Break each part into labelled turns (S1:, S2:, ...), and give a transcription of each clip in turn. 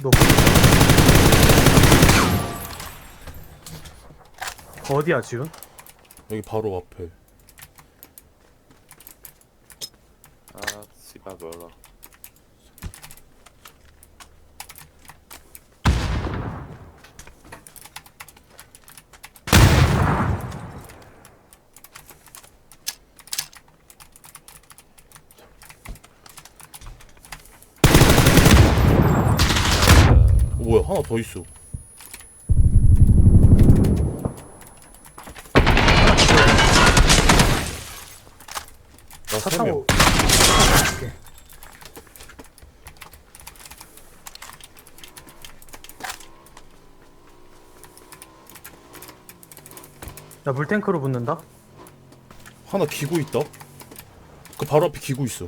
S1: 너 어디야 지금?
S2: 여기 바로 앞에.
S3: 아 씨발 몰라.
S2: 뭐야, 하나 더 있어. 나
S1: 차
S2: 3명.
S1: 타고 나 물탱크로 붙는다?
S2: 하나 기고 있다. 그 바로 앞에 기고 있어.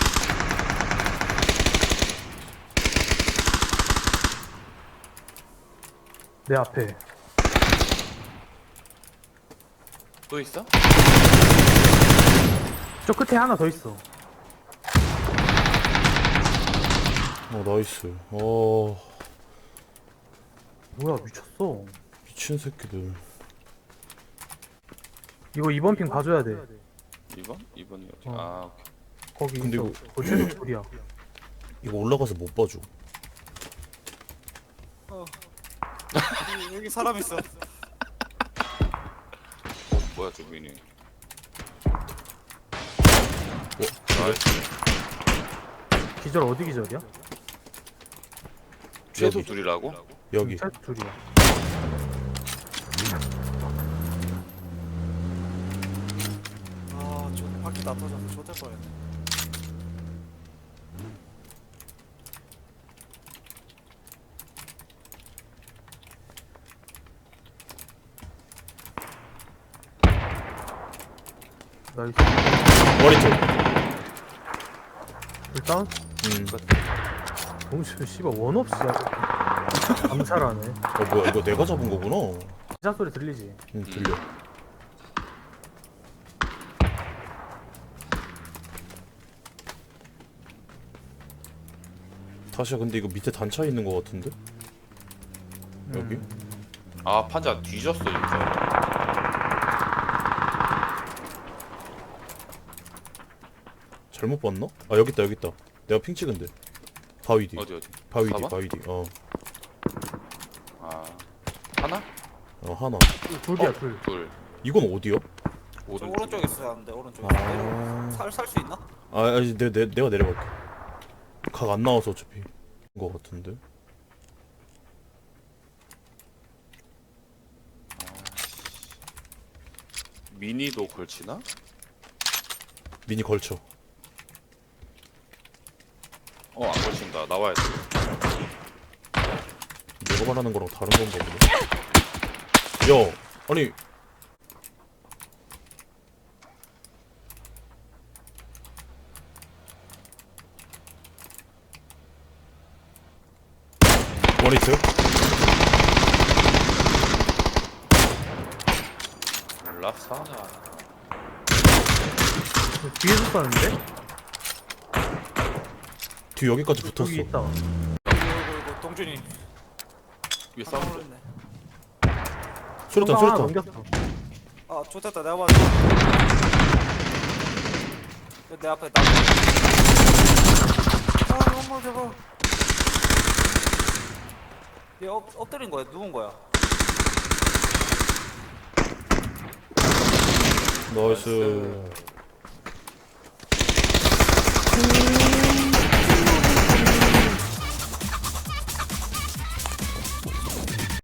S1: 내 앞에.
S3: 또 있어?
S1: 저 끝에 하나 더 있어.
S2: 나이스.
S1: 뭐야 미쳤어.
S2: 미친 새끼들.
S1: 이거 이번 핑 봐줘야 돼.
S3: 2번? 2번이 어디?
S1: 어.
S3: 아 오케이.
S1: 거기
S2: 근데
S1: 있어. 최소 둘이야.
S2: 이거 올라가서 못 봐줘.
S4: 여기 사람 있어.
S3: 뭐야 저 미니.
S2: 나이스.
S1: 기절 어디 기절이야?
S3: 최소
S2: 여기.
S3: 둘이라고?
S2: 여기.
S1: 최소 둘이야.
S4: 아, 저 바퀴 다 터져서 좋될 뻔했네.
S1: 나이스.
S2: 머리 쪽.
S1: 일단 동시에 씨발 원 없이 암살하네.
S2: 뭐야, 이거 내가 잡은 거구나.
S1: 기자 소리 들리지?
S2: 들려. 다시야, 근데 이거 밑에 단차 있는 거 같은데? 여기?
S3: 아 판자 뒤졌어 진짜.
S2: 잘못 봤나? 아, 여기 있다, 여기 있다. 내가 핑 찍은데. 바위 뒤.
S3: 어디?
S2: 바위 뒤,
S3: 4번?
S2: 바위 뒤.
S3: 아 하나?
S2: 하나.
S1: 둘이야 둘.
S3: 둘.
S2: 이건 어디야?
S4: 저
S3: 오른쪽.
S4: 오른쪽에 있어야 하는데 오른쪽에.
S2: 아.
S4: 살 수 있나?
S2: 아니, 내가 내려갈게. 각 안 나와서 어차피. 거 같은데.
S3: 미니도 걸치나?
S2: 미니 걸쳐.
S3: 안 걸친다. 나와야 돼.
S2: 내가 말하는 거랑 다른 건가 보네. 야, 아니. 원히트?
S3: 몰라 사나.
S1: 뒤에서 쐈는데?
S2: 뒤 여기까지 붙었어.
S1: 여기 있다.
S4: 이거 동준이.
S3: 위에
S4: 깜짝
S3: 사운드.
S4: 놀랐네.
S2: 수류탄,
S1: 하나
S2: 수류탄.
S1: 넘겼어.
S4: 아, 좋됐다. 내가 봤어. 내 앞에 나. 아, 엄마 저거. 얘 엎드린 거야? 누운 거야?
S2: 나이스.